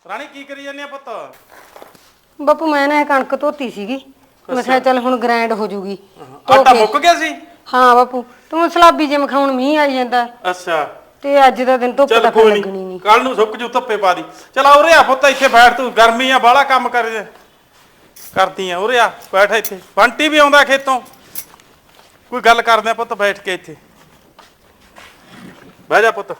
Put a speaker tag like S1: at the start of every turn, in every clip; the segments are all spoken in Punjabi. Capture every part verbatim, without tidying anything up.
S1: ਰਾਣੀ ਕੀ ਕਰੀ ਜਾਂਦੀ ਆ ਪੁੱਤ?
S2: ਬਾਪੂ ਮੈਂ ਨਾ ਇਹ ਕਣਕ ਧੋਤੀ ਸੀਗੀ, ਮੈਂ ਕਿਹਾ ਚੱਲ ਹੁਣ ਗ੍ਰਾਈਂਡ ਹੋ ਜੂਗੀ।
S1: ਆਟਾ ਮੁੱਕ ਗਿਆ ਸੀ?
S2: ਹਾਂ ਬਾਪੂ, ਤੂੰ ਸਲਾਬੀ ਜਿਵੇਂ ਖਾਉਣ ਮੀਂਹ ਆਈ ਜਾਂਦਾ।
S1: ਅੱਛਾ,
S2: ਤੇ ਅੱਜ ਦਾ ਦਿਨ ਧੁੱਪ ਤਾਂ ਫਿਰ ਲੱਗਣੀ ਨਹੀਂ।
S1: ਕੱਲ ਨੂੰ ਸੁੱਕ ਜੂ, ਧੁੱਪੇ ਪਾ ਦੀ। ਚਲ ਉਰੇ ਆ ਪੁੱਤ, ਇੱਥੇ ਬੈਠ, ਤੂੰ ਗਰਮੀ ਆ ਬਾਹਲਾ ਕੰਮ ਕਰ ਕਰਦੀ ਆ। ਉਰੇ ਆ ਬੈਠ ਇੱਥੇ, ਬੰਟੀ ਵੀ ਆਉਂਦਾ ਖੇਤੋਂ, ਕੋਈ ਗੱਲ ਕਰਦੇ ਆ ਪੁੱਤ ਬੈਠ ਕੇ ਇੱਥੇ। ਬਹਿ ਜਾ ਪੁੱਤ।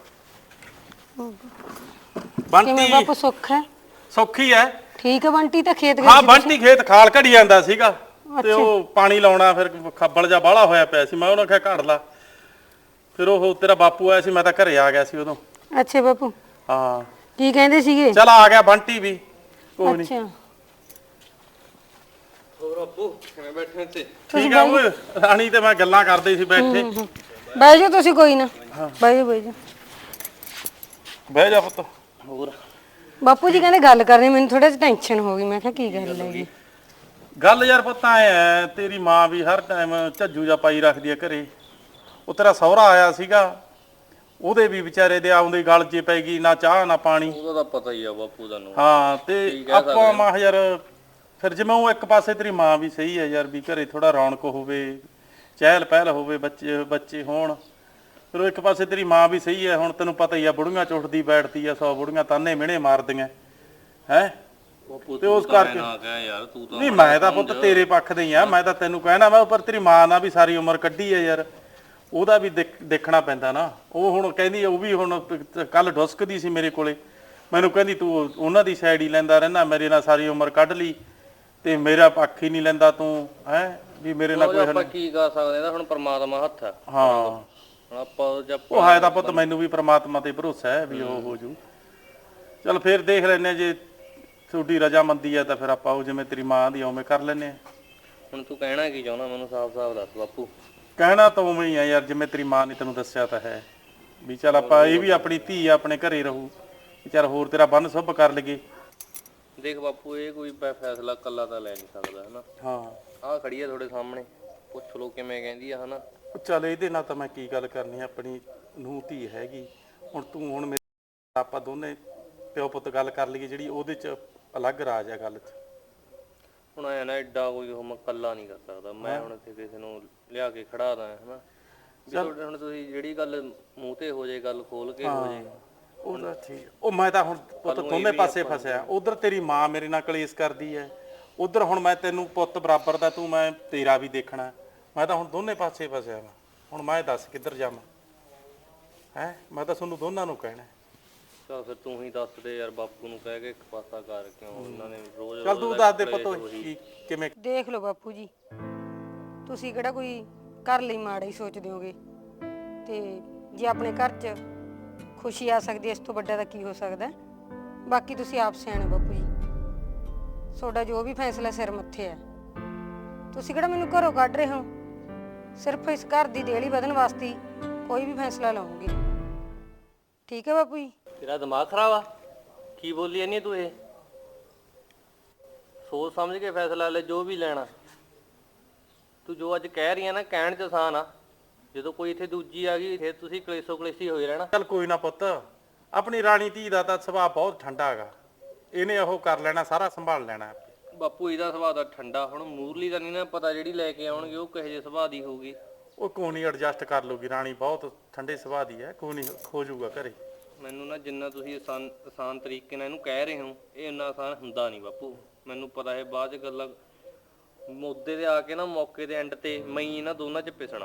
S1: ਬੰਟੀ
S2: ਬਾਪੂ ਸੁੱਖ ਹੈ?
S1: ਸੌਖੀ ਹੈ,
S2: ਠੀਕ ਹੈ। ਬੰਟੀ ਤਾਂ ਖੇਤ ਗਿਆ?
S1: ਹਾਂ ਬੰਟੀ ਖੇਤ ਖਾਲ ਘੜੀ ਜਾਂਦਾ ਸੀਗਾ, ਤੇ ਉਹ ਪਾਣੀ ਲਾਉਣਾ ਫਿਰ ਖੱਬਲ ਜਾ ਬਾਹਲਾ ਹੋਇਆ ਪਿਆ ਸੀ। ਮੈਂ ਉਹਨੂੰ ਕਿਹਾ ਘੜ ਲਾ, ਫਿਰ ਉਹ ਤੇਰਾ ਬਾਪੂ ਆਇਆ ਸੀ, ਮੈਂ ਤਾਂ ਘਰੇ ਆ ਗਿਆ ਸੀ ਉਦੋਂ।
S2: ਅੱਛਾ ਬਾਪੂ,
S1: ਹਾਂ
S2: ਕੀ ਕਹਿੰਦੇ ਸੀਗੇ?
S1: ਚਲ ਆ ਗਿਆ ਬੰਟੀ ਵੀ, ਕੋਈ ਨਹੀਂ।
S2: ਅੱਛਾ
S3: ਹੋਰ ਬਾਪੂ ਕਿਵੇਂ ਬੈਠੇ ਇੱਥੇ?
S1: ਠੀਕ ਆ ਓਏ, ਰਾਣੀ ਤੇ ਮੈਂ ਗੱਲਾਂ ਕਰਦੇ ਸੀ ਬੈਠੇ।
S2: ਬਹਿ ਜਾਓ ਤੁਸੀਂ, ਕੋਈ ਨਾ ਬਹਿ ਜਾਓ ਬਹਿ ਜਾਓ।
S1: ਬਹਿ ਜਾ ਪੁੱਤ।
S3: ਹੋਰ
S2: ਬਾਪੂ ਜੀ ਕਹਿੰਦੇ ਗੱਲ ਕਰਨੀ, ਮੈਨੂੰ ਥੋੜਾ ਜਿਹਾ ਟੈਨਸ਼ਨ ਹੋ ਗਈ। ਮੈਂ ਕਿਹਾ ਕੀ ਗੱਲ ਹੈਗੀ?
S1: ਗੱਲ ਯਾਰ ਪੁੱਤ ਐ ਐ, ਤੇਰੀ ਮਾਂ ਵੀ ਹਰ ਟਾਈਮ ਝੱਜੂ ਜਾ ਪਾਈ ਰੱਖਦੀ ਆ ਘਰੇ। ਉਹ ਤੇਰਾ ਸਹੁਰਾ ਆਇਆ ਸੀਗਾ, ਉਹਦੇ ਵੀ ਵਿਚਾਰੇ ਦੇ ਆਉਂਦੇ ਗਲ 'ਚ ਪੈ ਗਈ, ਨਾ ਚਾਹ ਨਾ ਪਾਣੀ।
S3: ਉਹਦਾ ਤਾਂ ਪਤਾ ਹੀ ਆ ਬਾਪੂ ਤੁਹਾਨੂੰ।
S1: ਹਾਂ ਤੇ ਆਪਾਂ ਮਾ ਯਾਰ ਫਿਰ ਜਿਵੇਂ ਉਹ ਇੱਕ ਪਾਸੇ ਤੇਰੀ ਮਾਂ ਵੀ ਸਹੀ ਹੈ ਯਾਰ, ਵੀ ਘਰੇ ਥੋੜਾ ਰੌਣਕ ਹੋਵੇ, ਚਹਿਲ ਪਹਿਲ ਹੋਵੇ, ਬੱਚੇ ਬੱਚੇ ਹੋਣ। ਫਿਰ ਉਹ ਇੱਕ ਪਾਸੇ ਤੇਰੀ ਮਾਂ ਵੀ ਸਹੀ ਹੈ। ਹੁਣ ਤੈਨੂੰ ਪਤਾ ਹੀ ਆ, ਬੁੜੀਆਂ ਚ ਉੱਠਦੀ ਬੈਠਦੀ ਆ, ਸੌ ਬੁੜੀਆਂ ਤਾਨੇ ਮਿਹਣੇ ਮਾਰਦੀਆਂ ਹੈ। ਤੇ ਉਸ ਕਰਕੇ
S3: ਯਾਰ ਤੂੰ ਤਾਂ
S1: ਨਹੀਂ, ਮੈਂ ਤਾਂ ਪੁੱਤ ਤੇਰੇ ਪੱਖ ਦੇ ਹੀ ਆ। ਮੈਂ ਤਾਂ ਤੈਨੂੰ ਕਹਿਣਾ ਮੈਂ, ਪਰ ਤੇਰੀ ਮਾਂ ਨਾਲ ਵੀ ਸਾਰੀ ਉਮਰ ਕੱਢੀ ਹੈ ਯਾਰ, ਉਹਦਾ ਵੀ ਦੇਖਣਾ ਪੈਂਦਾ ਨਾ। ਉਹ ਹੁਣ ਕਹਿੰਦੀ, ਉਹ ਵੀ ਹੁਣ ਕੱਲ ਡੁਸਕਦੀ ਸੀ ਮੇਰੇ ਕੋਲੇ, ਮੈਨੂੰ ਕਹਿੰਦੀ ਤੂੰ ਉਹਨਾਂ ਦੀ ਸਾਈਡ ਹੀ ਲੈਂਦਾ ਰਹਿਣਾ, ਮੇਰੇ ਨਾਲ ਸਾਰੀ ਉਮਰ ਕੱਢ ਲਈ ਤੇ ਮੇਰਾ ਪੱਖ ਹੀ ਨਹੀਂ ਲੈਂਦਾ ਤੂੰ, ਹੈ ਵੀ ਮੇਰੇ ਨਾਲ ਕੋਈ।
S3: ਆਪਾਂ ਕੀ ਕਰ ਸਕਦੇ ਆ, ਹੁਣ ਪਰਮਾਤਮਾ ਹੱਥ ਆ।
S1: ਹਾਂ
S3: ਆਪਾਂ
S1: ਉਹ ਹੈ ਤਾਂ ਪੁੱਤ, ਮੈਨੂੰ ਵੀ ਪ੍ਰਮਾਤਮਾ ਤੇ ਭਰੋਸਾ ਹੈ ਵੀ ਉਹ ਹੋ ਜੂ। ਚਲ ਫਿਰ ਦੇਖ ਲੈਨੇ ਆ, ਜੇ ਤੁਹਾਡੀ ਰਜਾਮੰਦੀ ਹੈ ਤਾਂ ਫਿਰ ਆਪਾਂ ਉਹ ਜਿਵੇਂ ਤੇਰੀ ਮਾਂ ਦੀ ਉਵੇਂ ਕਰ ਲੈਨੇ ਆ।
S3: ਹੁਣ ਤੂੰ ਕਹਿਣਾ ਕੀ ਚਾਹੁੰਦਾ, ਮੈਨੂੰ ਸਾਫ਼-ਸਾਫ਼ ਦੱਸ ਬਾਪੂ।
S1: ਕਹਿਣਾ ਤਾਂ ਉਵੇਂ ਹੀ ਆ ਯਾਰ, ਜਿਵੇਂ ਤੇਰੀ ਮਾਂ ਨੇ ਤੈਨੂੰ ਦੱਸਿਆ ਤਾਂ ਹੈ ਵੀ ਚੱਲ ਆਪਾਂ, ਇਹ ਵੀ ਆਪਣੀ ਧੀ ਆ, ਆਪਣੇ ਘਰੇ ਰਹੂ, ਚੱਲ ਹੋਰ ਤੇਰਾ ਬੰਨ ਸੁਭ ਕਰ ਲਈਏ।
S3: ਦੇਖ ਬਾਪੂ, ਇਹ ਕੋਈ ਫੈਸਲਾ ਕੱਲਾ ਤਾਂ ਲੈ ਨਹੀਂ ਸਕਦਾ ਹਨਾ।
S1: ਹਾਂ
S3: ਆਹ ਖੜੀ ਆ ਤੁਹਾਡੇ ਸਾਹਮਣੇ, ਪੁੱਛ ਲੋ ਕਿਵੇਂ ਕਹਿੰਦੀ ਆ ਹਨਾ।
S1: ਚੱਲ ਇਹਦੇ ਨਾਲ ਤਾਂ ਮੈਂ ਕੀ ਗੱਲ ਕਰਨੀ, ਆਪਣੀ ਨੂੰਹ ਧੀ ਹੈਗੀ। ਹੁਣ ਤੂੰ ਹੁਣ ਮੇਰੇ ਆਪਾਂ ਦੋਨੇ ਪਿਓ ਪੁੱਤ ਗੱਲ ਕਰ ਲਈਏ, ਜਿਹੜੀ ਉਹਦੇ 'ਚ ਅਲੱਗ ਰਾਜ ਆ ਗੱਲ 'ਚ।
S3: ਹੁਣ ਐ ਨਾ ਐਡਾ ਕੋਈ ਉਹ ਮੈਂ ਕੱਲਾ ਨਹੀਂ ਕਰ ਸਕਦਾ। ਮੈਂ ਹੁਣ ਇੱਥੇ ਕਿਸੇ ਨੂੰ ਲਿਆ ਕੇ ਖੜਾ ਦਾਂ ਹਨਾ। ਹੁਣ ਤੁਸੀਂ ਜਿਹੜੀ ਗੱਲ ਮੂੰਹ ਤੇ ਹੋ ਜੇ, ਗੱਲ ਖੋਲ ਕੇ ਹੋ ਜੇ,
S1: ਉਹਦਾ ਠੀਕ। ਉਹ ਮੈਂ ਤਾਂ ਹੁਣ ਪੁੱਤ ਦੋਨੇ ਪਾਸੇ ਫਸਿਆ, ਉਧਰ ਤੇਰੀ ਮਾਂ ਮੇਰੇ ਨਾਲ ਕਲੇਸ਼ ਕਰਦੀ ਹੈ, ਉਧਰ ਹੁਣ ਮੈਂ ਤੈਨੂੰ ਪੁੱਤ ਬਰਾਬਰ ਦਾ, ਤੂੰ ਮੈਂ ਤੇਰਾ ਵੀ ਦੇਖਣਾ। ਮੈਂ ਤਾਂ ਹੁਣ ਦੋਨੇ ਪਾਸੇ ਫਸਿਆ ਵਾ। ਹੁਣ ਮੈਂ ਦੱਸ ਕਿੱਧਰ ਜਾਵਾਂ ਹੈ? ਮੈਂ ਤਾਂ ਤੁਹਾਨੂੰ ਦੋਨਾਂ ਨੂੰ ਕਹਿਣਾ।
S3: ਚਲ ਫਿਰ ਤੂੰ ਹੀ ਦੱਸ ਦੇ ਯਾਰ, ਬਾਪੂ ਨੂੰ ਕਹਿ ਕੇ ਇੱਕ ਪਾਸਾ ਕਰ, ਕਿਉਂ ਉਹਨਾਂ ਨੇ ਰੋਜ਼।
S1: ਚੱਲ ਤੂੰ ਦੱਸ ਦੇ ਪੁੱਤ ਕਿਵੇਂ।
S2: ਦੇਖ ਲਓ ਬਾਪੂ ਜੀ, ਤੁਸੀਂ ਕਿਹੜਾ ਕੋਈ ਘਰ ਲਈ ਮਾੜਾ ਹੀ ਸੋਚਦੇ ਹੋਗੇ, ਤੇ ਜੇ ਆਪਣੇ ਘਰ 'ਚ ਖੁਸ਼ੀ ਆ ਸਕਦੀ ਹੈ, ਇਸ ਤੋਂ ਵੱਡਾ ਤਾਂ ਕੀ ਹੋ ਸਕਦਾ। ਬਾਕੀ ਤੁਸੀਂ ਆਪ ਸਿਆਣੇ ਬਾਪੂ ਜੀ, ਤੁਹਾਡਾ ਜੋ ਵੀ ਫੈਸਲਾ ਸਿਰ ਮੱਥੇ ਹੈ। ਤੁਸੀਂ ਕਿਹੜਾ ਮੈਨੂੰ ਘਰੋਂ ਕੱਢ ਰਹੇ ਹੋ, ਸਿਰਫ ਇਸ ਘਰ ਦੀ ਦੇਹਲੀ ਵਧਣ ਵਾਸਤੇ ਕੋਈ ਵੀ ਫੈਸਲਾ ਲਵਾਂਗੀ। ਠੀਕ ਹੈ ਬਾਪੂ ਜੀ?
S3: ਤੇਰਾ ਦਿਮਾਗ ਖਰਾਬ ਆ, ਕੀ ਬੋਲੀ ਜਾਂਦੀ ਤੂੰ? ਇਹ ਸੋਚ ਸਮਝ ਕੇ ਫੈਸਲਾ ਲੈ, ਜੋ ਵੀ ਲੈਣਾ। ਤੂੰ ਜੋ ਅੱਜ ਕਹਿ ਰਹੀ ਆ ਨਾ, ਕਹਿਣ 'ਚ ਆਸਾਨ ਆ, ਜਦੋਂ ਕੋਈ ਇੱਥੇ ਦੂਜੀ ਆ ਗਈ ਫਿਰ ਤੁਸੀਂ ਕਲੇਸ਼ੋ ਕਲੇਸ਼ੀ ਹੋਏ ਰਹਿਣਾ।
S1: ਚੱਲ ਕੋਈ ਨਾ ਪੁੱਤ, ਆਪਣੀ ਰਾਣੀ ਧੀ ਦਾ ਤਾਂ ਸੁਭਾਅ ਬਹੁਤ ਠੰਡਾ ਹੈਗਾ, ਇਹਨੇ ਉਹ ਕਰ ਲੈਣਾ, ਸਾਰਾ ਸੰਭਾਲ ਲੈਣਾ।
S3: ਬਾਪੂ ਇਹਦਾ ਸੁਭਾਅ ਦਾ ਠੰਡਾ, ਹੁਣ ਮੂਰਲੀ ਦਾ ਨਹੀਂ ਨਾ ਪਤਾ, ਜਿਹੜੀ ਲੈ ਕੇ ਆਉਣਗੇ ਉਹ ਕਿਹੋ ਜਿਹੇ ਸੁਭਾਅ ਦੀ ਹੋਊਗੀ। ਉਹ
S1: ਕੋਈ ਨਹੀਂ, ਐਡਜਸਟ ਕਰ ਲੂਗੀ ਰਾਣੀ, ਬਹੁਤ ਠੰਡੇ ਸੁਭਾਅ ਦੀ ਹੈ, ਕੋਈ ਨਹੀਂ ਹੋ ਜਾਊਗਾ ਘਰੇ।
S3: ਮੈਨੂੰ ਨਾ ਜਿੰਨਾ ਤੁਸੀਂ ਆਸਾਨ ਆਸਾਨ ਤਰੀਕੇ ਨਾਲ ਇਹਨੂੰ ਕਹਿ ਰਹੇ ਹੋ, ਇਹ ਇੰਨਾ ਆਸਾਨ ਹੁੰਦਾ ਨਹੀਂ ਬਾਪੂ। ਮੈਨੂੰ ਪਤਾ ਹੈ ਬਾਅਦ 'ਚ ਗੱਲਾਂ ਮੁੱਦੇ 'ਤੇ ਆ ਕੇ ਨਾ, ਮੌਕੇ ਦੇ ਐਂਡ 'ਤੇ ਮੈਂ ਇਹਨਾਂ ਦੋਨਾਂ 'ਚ ਪਿਸਣਾ।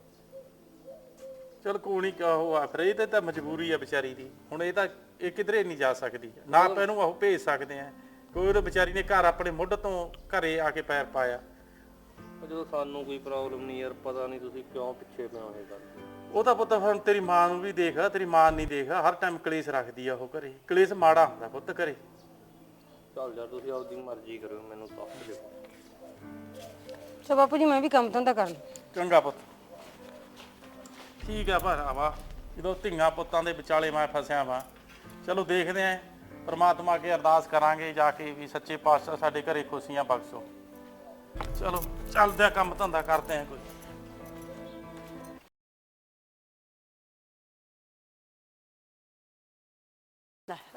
S1: ਚਲ ਕੋਈ ਨਹੀਂ, ਉਹ ਆ ਫਿਰ, ਇਹ ਤੇ ਤਾਂ ਮਜਬੂਰੀ ਆ ਵਿਚਾਰੀ ਦੀ। ਹੁਣ ਇਹ ਤਾਂ ਇਹ ਕਿਧਰੇ ਨਹੀਂ ਜਾ ਸਕਦੀ ਨਾ, ਆਪਾਂ ਇਹਨੂੰ ਉਹ ਭੇਜ ਸਕਦੇ ਆ। ਕੋਈ ਉਹਦੇ ਵਿਚਾਰੀ ਨੇ ਘਰ ਆਪਣੇ ਮੁੱਢ ਤੋਂ ਘਰੇ ਆ ਕੇ ਪੈਰ ਪਾਇਆ।
S3: ਜਦੋਂ ਸਾਨੂੰ ਕੋਈ ਪ੍ਰੋਬਲਮ ਨਹੀਂ ਯਾਰ, ਪਤਾ ਨਹੀਂ ਤੁਸੀਂ ਕਿਉਂ ਪਿੱਛੇ ਪਏ ਹੋ ਇਹ ਗੱਲ।
S1: ਉਹ ਤਾਂ ਪੁੱਤ ਹੁਣ ਤੇਰੀ ਮਾਂ ਨੂੰ ਵੀ ਦੇਖ, ਤੇਰੀ ਮਾਂ ਨਹੀਂ ਦੇਖ, ਹਰ ਟਾਈਮ ਕਲੇਸ਼ ਰੱਖਦੀ ਆ ਉਹ ਘਰੇ। ਕਲੇਸ਼ ਮਾੜਾ ਹੁੰਦਾ ਪੁੱਤ ਘਰੇ।
S3: ਚੱਲ ਯਾਰ ਤੁਸੀਂ ਆਪਦੀ ਮਰਜ਼ੀ ਕਰੋ, ਮੈਨੂੰ ਦੱਸ ਦਿਓ।
S2: ਸੋ ਬਾਪੂ ਜੀ ਮੈਂ ਵੀ ਕੰਮ ਧੰਦਾ ਕਰ ਲਵਾਂ।
S1: ਚੰਗਾ ਪੁੱਤ, ਠੀਕ ਆ ਭਰਾਵਾ, ਜਦੋਂ ਧੀਆਂ ਪੁੱਤਾਂ ਦੇ ਵਿਚਾਲੇ ਮੈਂ ਫਸਿਆ ਵਾਂ। ਚਲੋ ਦੇਖਦੇ ਆਂ, ਪਰਮਾਤਮਾ ਅੱਗੇ ਅਰਦਾਸ ਕਰਾਂਗੇ ਜਾ ਕੇ ਵੀ ਸੱਚੇ ਪਾਤਸ਼ਾਹ ਸਾਡੇ ਘਰੇ ਖੁਸ਼ੀਆਂ ਬਖਸ਼ੋ। ਚਲੋ ਚੱਲਦੇ ਆ, ਕੰਮ ਧੰਦਾ ਕਰਦੇ ਆ ਕੋਈ।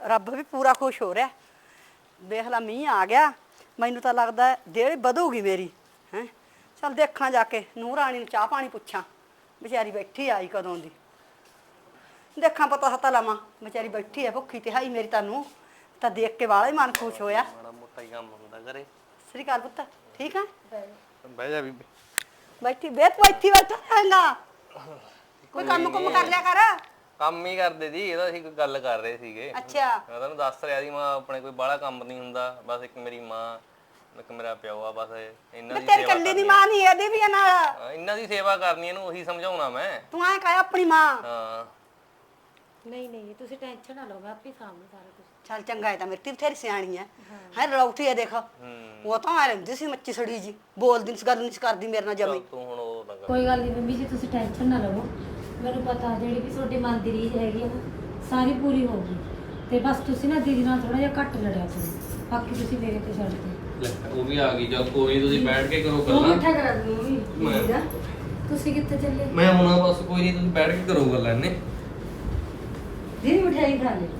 S4: ਰੱਬ ਵੀ ਪੂਰਾ ਖੁਸ਼ ਹੋ ਰਿਹਾ। ਵੇਖ ਲਾ ਮੀਂਹ ਆ ਗਿਆ, ਮੈਨੂੰ ਤਾਂ ਲੱਗਦਾ ਦੇਹ ਵਧੂਗੀ ਮੇਰੀ ਹੈ। ਚੱਲ ਦੇਖਾਂ ਜਾ ਕੇ ਨੂੰਹ ਰਾਣੀ ਨੂੰ ਚਾਹ ਪਾਣੀ ਪੁੱਛਾਂ, ਵਿਚਾਰੀ ਬੈਠੀ ਆਈ ਕਦੋਂ ਦੀ। ਦੇਖਾਂ ਪਤਾ ਹਤਾ ਲਾਵਾਂ, ਵਿਚਾਰੀ ਬੈਠੀ ਹੈ ਭੁੱਖੀ ਤੇ ਹਾਈ ਮੇਰੀ। ਤੁਹਾਨੂੰ ਤਾਂ ਦੇਖ ਕੇ ਵਾਲਾ ਹੀ ਮਨ ਖੁਸ਼ ਹੋਇਆ।
S3: ਮਾੜਾ ਮੋਟਾ ਹੀ ਕੰਮ ਹੁੰਦਾ ਕਰੇ।
S4: ਸ੍ਰੀ ਅਕਾਲ ਪੁੱਤ, ਠੀਕ ਆ?
S3: ਬਹਿ ਜਾ ਬੀਬੀ।
S4: ਬੈਠੀ ਵੇ ਤੂੰ ਇੱਥੇ ਬੈਠਾ ਰਹਿਣਾ, ਕੋਈ ਕੰਮ ਕੁੰਮ ਕਰ ਲਿਆ ਕਰ।
S3: ਕੰਮ ਹੀ ਕਰਦੇ ਸੀ, ਇਹਦਾ ਅਸੀਂ ਕੋਈ ਗੱਲ ਕਰ ਰਹੇ ਸੀਗੇ।
S4: ਅੱਛਾ,
S3: ਮੈਂ ਤੁਹਾਨੂੰ ਦੱਸ ਰਿਹਾ ਸੀ, ਮਾਂ ਆਪਣੇ ਕੋਈ ਬਾਹਲਾ ਕੰਮ ਨਹੀਂ ਹੁੰਦਾ, ਬਸ ਇੱਕ ਮੇਰੀ ਮਾਂ ਇੱਕ ਮੇਰਾ ਪਿਓ ਆ, ਬਸ ਇਹਨਾਂ
S4: ਮੈਂ
S3: ਦੀ
S4: ਤੇਰੀ
S3: ਸੇਵਾ
S4: ਕੱਲੀ ਦੀ
S3: ਕਰਨੀ
S4: ਮਾਂ ਨਹੀਂ, ਇਹਦੀ ਵੀ ਆ ਨਾਲ।
S3: ਆ। ਇਹਨਾਂ ਦੀ ਸੇਵਾ ਕਰਨੀ, ਇਹਨੂੰ ਉਹੀ ਸਮਝਾਉਣਾ ਮੈਂ।
S4: ਤੂੰ ਐਂ ਕਹਿ ਆਪਣੀ ਮਾਂ।
S3: ਹਾਂ
S5: ਨਹੀਂ ਨਹੀਂ ਤੁਸੀਂ ਟੈਨਸ਼ਨ ਨਾ ਲਓ, ਮੈਂ ਆਪੇ ਸਾਂਭੂ ਸਾਰਾ ਕੁਝ।
S4: ਚੱਲ ਚੰਗਾ ਹੈ ਤਾਂ ਮੇਰੀ ਧੀ ਬਥੇਰੀ ਸਿਆਣੀ ਹੈ ਹੈ ਰੌਠੀ ਹੈ ਦੇਖ। ਉਹ ਤਾਂ ਆ ਰਹਿੰਦੀ ਸੀ ਮੱਚੀ ਸੜੀ ਜੀ, ਬੋਲਦੀ ਨਹੀਂ, ਗੱਲ ਨਹੀਂ ਕਰਦੀ ਮੇਰੇ ਨਾਲ ਜਮੀ।
S3: ਤੂੰ ਹੁਣ ਉਹ ਨਾ ਕਰ।
S5: ਕੋਈ ਗੱਲ ਨਹੀਂ ਮੰਮੀ ਜੀ, ਤੁਸੀਂ ਟੈਨਸ਼ਨ ਨਾ ਲਵੋ। ਮੈਨੂੰ ਪਤਾ ਜਿਹੜੀ ਵੀ ਤੁਹਾਡੇ ਮਨ ਦੀ ਰੀਝ ਹੈਗੀ ਆ ਨਾ, ਸਾਰੀ ਪੂਰੀ ਹੋਊਗੀ। ਤੇ ਬਸ ਤੁਸੀਂ ਨਾ ਦੀਦੀ ਨਾਲ ਥੋੜਾ ਜਿਹਾ ਘੱਟ ਲੜਿਆ ਕਰੋ, ਬਾਕੀ ਤੁਸੀਂ ਮੇਰੇ ਤੇ ਛੱਡ ਦਿਓ।
S3: ਲੈ ਉਹ ਵੀ ਆ ਗਈ, ਜਦ ਕੋਈ ਤੁਸੀਂ ਬੈਠ ਕੇ ਕਰੋ
S5: ਉਹ
S3: ਗੱਲਾਂ।
S5: ਮਿੱਠਾ ਕਰਾ ਦੂੰ ਮੰਮੀ ਦਾ। ਤੁਸੀਂ ਕਿੱਥੇ ਚੱਲੇ?
S3: ਮੈਂ ਹੁਣ ਬਸ ਕੋਈ ਨਹੀਂ, ਤੁਸੀਂ ਬੈਠ ਕੇ ਕਰੋ ਗੱਲਾਂ ਇਹਨੇ।
S4: ਦੀਦੀ ਮਠਿਆਈ ਖਾ ਲੈ।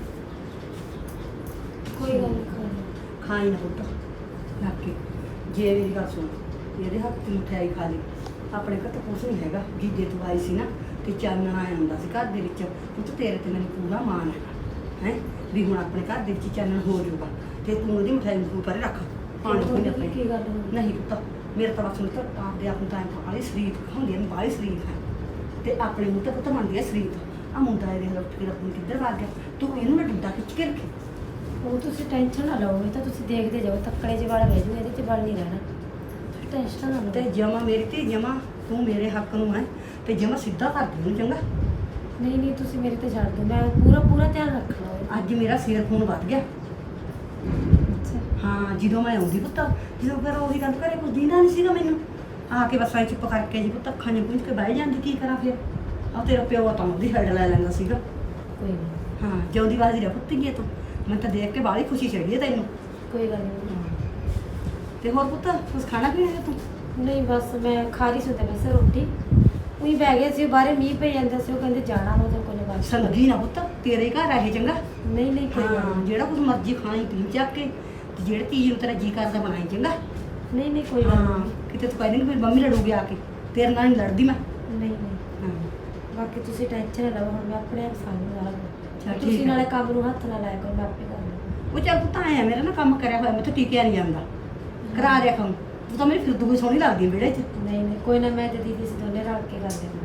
S5: ਕੋਈ ਗੱਲ ਨਹੀਂ, ਖਾ ਲਓ।
S4: ਖਾਈ ਨਾ ਪੁੱਤ ਲੱਗ ਕੇ। ਜੇ ਮੇਰੀ ਗੱਲ ਸੁਣ, ਇਹਦੇ ਹੱਥ ਦੀ ਮਠਿਆਈ ਖਾ ਲਈ। ਆਪਣੇ ਘਰ ਤਾਂ ਕੁਛ ਨਹੀਂ ਹੈਗਾ। ਜੀਜੇ ਤੋਂ ਆਈ ਸੀ ਨਾ ਤੇ ਚਾਨਣ ਆਇਆ ਹੁੰਦਾ ਸੀ ਘਰ ਦੇ ਵਿੱਚ। ਪੁੱਤ ਤੇਰੇ ਤੇ ਮੈਨੂੰ ਪੂਰਾ ਮਾਣ ਹੈਗਾ ਹੈ ਵੀ ਹੁਣ ਆਪਣੇ ਘਰ ਦੇ ਵਿੱਚ ਚਾਨਣ ਹੋ ਜਾਊਗਾ। ਤੇ ਤੂੰ ਉਹਦੀ ਮਠਿਆਈ ਨੂੰ ਪਰੇ ਰੱਖ, ਪਾਣੀ ਪੂਣੀ ਆਪਣੇ।
S5: ਕੀ ਗੱਲ ਹੋ ਗਈ?
S4: ਨਹੀਂ ਪੁੱਤ, ਮੇਰੇ ਤਾਂ ਬਸ ਹੁਣ ਤਾਂ ਆਪਦੇ ਆਪ ਨੂੰ ਤਾਂ ਬਾਹਲੀ ਸ਼ਰੀਫ ਹੁੰਦੀ ਹੈ, ਬਾਹਲੀ ਸ਼ਰੀਫ ਹੈ ਤੇ ਆਪਣੇ ਮੂੰਹ ਤੇ ਪੁੱਤ ਮੰਨਦੀ ਹੈ ਸ਼ਰੀਫ। ਆ ਮੁੰਡਾ ਇਹਦੇ ਉੱਠ ਕੇ ਰੱਬ ਨੂੰ ਕਿੱਧਰ ਵਗ ਗਿਆ, ਤੂੰ ਇਹਨੂੰ ਨਾ ਡੰਡਾ ਖਿੱਚ ਕੇ ਰੱਖੇ।
S5: ਉਹ ਤੁਸੀਂ ਟੈਨਸ਼ਨ ਨਾ ਲਓ, ਇਹ ਤਾਂ ਤੁਸੀਂ ਦੇਖਦੇ ਜਾਓ, ਤੱਕੜੇ ਜਿਹੇ ਵਾਲ ਰਹਿ ਜੂ, ਇਹਦੇ 'ਚ ਵਲ ਨਹੀਂ ਰਹਿਣਾ। ਤੁਸੀਂ ਟੈਨਸ਼ਨ ਨਾ ਲਓ।
S4: ਤੇ ਜਮਾ ਮੇਰੀ ਧੀ ਜਮਾ ਤੂੰ ਮੇਰੇ ਹੱਕ ਨੂੰ ਹੈ ਤੇ ਜਮਾ ਸਿੱਧਾ ਕਰ ਦੇ ਉਹਨੂੰ, ਚੰਗਾ?
S5: ਨਹੀਂ ਨਹੀਂ ਤੁਸੀਂ ਮੇਰੇ ਤੇ ਛੱਡ ਦਿਓ, ਮੈਂ ਪੂਰਾ ਪੂਰਾ ਧਿਆਨ ਰੱਖਣਾ ਹੈ।
S4: ਅੱਜ ਮੇਰਾ ਸਿਰ ਖੂਨ ਵੱਧ ਗਿਆ।
S5: ਅੱਛਾ,
S4: ਹਾਂ, ਜਦੋਂ ਮੈਂ ਆਉਂਦੀ ਪੁੱਤ, ਜਦੋਂ ਫਿਰ ਉਹੀ ਗੱਲ ਘਰੇ ਕੁਝ ਦੀਨਾ ਨਹੀਂ ਸੀਗਾ ਮੈਨੂੰ। ਆ ਕੇ ਬਸ ਐ ਚੁੱਪ ਕਰਕੇ ਜੀ ਪੁੱਤ ਅੱਖਾਂ ਜਿਹਾ ਪੁੰਝ ਕੇ ਬਹਿ ਜਾਂਦੀ, ਕੀ ਕਰਾਂ ਫਿਰ? ਆ ਤੇਰਾ ਪਿਓ ਤਾਂ ਉਹਦੀ ਹੈਡ ਲੈ ਲੈਂਦਾ ਸੀਗਾ।
S5: ਕੋਈ ਨਹੀਂ,
S4: ਹਾਂ, ਜਿਉਂਦੀ ਵਾਜੀ ਰਹਿ ਪੁੱਤ ਗਈ ਤੂੰ। ਮੈਂ ਤਾਂ ਦੇਖ ਕੇ ਬਾਹਲੀ ਖੁਸ਼ੀ ਚੜੀ ਹੈ ਤੈਨੂੰ।
S5: ਕੋਈ ਗੱਲ ਨਹੀਂ।
S4: ਤੇ ਹੋਰ ਪੁੱਤ ਕੁਛ ਖਾਣਾ ਪੀਣਾ ਹੈ ਤੂੰ?
S5: ਨਹੀਂ ਬਸ ਮੈਂ ਖਾ ਰਹੀ ਸੀ ਤੇ ਵੈਸੇ ਰੋਟੀ ਉਹੀ ਬਹਿ ਗਏ ਸੀ, ਬਾਹਰੇ ਮੀਂਹ ਪਈ ਜਾਂਦਾ ਸੀ, ਉਹ ਕਹਿੰਦੇ ਜਾਣਾ ਉਹਦੇ ਕੋਲ ਬਾਅਦ।
S4: ਸੰਗੀ ਨਾ ਪੁੱਤ, ਤੇਰੇ ਘਰ ਆਏ ਚੰਗਾ?
S5: ਨਹੀਂ ਨਹੀਂ ਕੋਈ ਗੱਲ
S4: ਹਾਂ,
S5: ਨਹੀਂ।
S4: ਜਿਹੜਾ ਕੁਝ ਮਰਜ਼ੀ ਖਾਣੀ ਪੀਣ ਚੱਕ ਕੇ ਤੇ ਜਿਹੜੀ ਚੀਜ਼ ਨੂੰ ਤੇਰਾ ਜੀ ਕਰਦਾ ਬਣਾਈ ਚੰਗਾ?
S5: ਨਹੀਂ ਨਹੀਂ ਕੋਈ ਗੱਲ
S4: ਹਾਂ,
S5: ਨਹੀਂ।
S4: ਕਿਤੇ ਤੂੰ ਕਹਿੰਦੀ ਫਿਰ ਮੰਮੀ ਲੜੂਗੀ ਆ ਕੇ, ਤੇਰੇ ਨਾਲ ਨਹੀਂ ਲੜਦੀ ਮੈਂ।
S5: ਨਹੀਂ ਨਹੀਂ
S4: ਹਾਂ
S5: ਬਾਕੀ ਤੁਸੀਂ ਟੈਨਸ਼ਨ ਨਾ ਲਓ, ਹੁਣ ਮੈਂ ਆਪਣੇ ਆਪ ਸਾਂਭੂ ਸਾਰਾ
S4: ਚੱਲ
S5: ਕੁਝ।
S4: ਠੀਕ
S5: ਤੁਸੀਂ
S4: ਹੈ।
S5: ਨਾਲੇ ਕੰਮ ਨੂੰ ਹੱਥ ਨਾ ਲਾਇਆ ਕਰੋ, ਮੈਂ ਆਪੇ ਕਰ ਲਵਾਂ।
S4: ਉਹ ਚੱਲ ਪੁੱਤ ਆਇਆ ਮੇਰਾ ਨਾ ਕੰਮ ਕਰਿਆ ਹੋਇਆ, ਮੈਂ ਤਾਂ ਟਿਕਿਆ ਨਹੀਂ ਜਾਂਦਾ। ਕਰਾ ਦਿਆ ਕੰਮ, ਤੂੰ ਤਾਂ ਮੇਰੀ ਫਿਰਦੂ ਕੋਈ ਸੋਹਣੀ ਲੱਗਦੀ ਹੈ ਵਿਹੜੇ 'ਚ।
S5: ਨਹੀਂ ਨਹੀਂ ਕੋਈ ਨਾ, ਮੈਂ ਤੇ ਦੀਦੀ ਸੀ ਦੋਨੇ ਰਲ ਕੇ ਕਰ ਦੇਣਾ।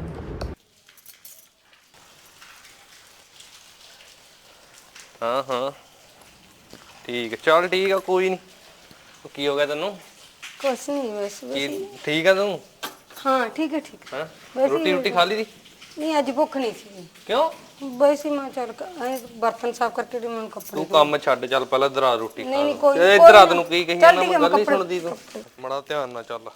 S3: ਹਾਂ ਹਾਂ ਠੀਕ ਹੈ, ਚੱਲ ਠੀਕ ਆ, ਕੋਈ ਨਹੀਂ। ਕੀ ਹੋ ਗਿਆ ਤੈਨੂੰ?
S2: ਕੁਛ ਨਹੀਂ ਬਸ
S3: ਕੀ ਠੀਕ ਆ ਤੂੰ?
S2: ਹਾਂ ਠੀਕ ਹੈ ਠੀਕ ਹੈ।
S3: ਹਾਂ
S2: ਵੈਸੇ
S3: ਰੋਟੀ ਰੋਟੀ ਖਾ ਲਈ ਦੀ?
S2: ਨਹੀਂ ਅੱਜ ਭੁੱਖ ਨਹੀਂ ਸੀ।
S3: ਕਿਉਂ?
S2: ਵੈਸੇ ਮੈਂ ਚੱਲ ਐ ਬਰਤਨ ਸਾਫ਼ ਕਰਕੇ ਤੇ ਮੈਨੂੰ ਕੱਪੜੇ
S3: ਤੂੰ ਕੰਮ ਛੱਡ, ਚੱਲ ਪਹਿਲਾਂ ਇਧਰ ਆ ਰੋਟੀ ਖਾ।
S2: ਨਹੀਂ, ਨਹੀਂ, ਕੋਈ-
S3: ਇਹ
S2: ਕੋਈ
S3: ਇਧਰ ਆ,
S2: ਨਾ।
S3: ਤੈਨੂੰ ਕੀ ਕਹੀ
S2: ਚੱਲ
S3: ਜਾਂਦਾ
S2: ਠੀਕ ਹੈ,
S3: ਮੈਂ ਗੱਲ ਨਹੀਂ
S2: ਕੱਪੜੇ-
S3: ਸੁਣਦੀ ਤੂੰ। ਬੜਾ ਧਿਆਨ ਨਾਲ ਚੱਲ।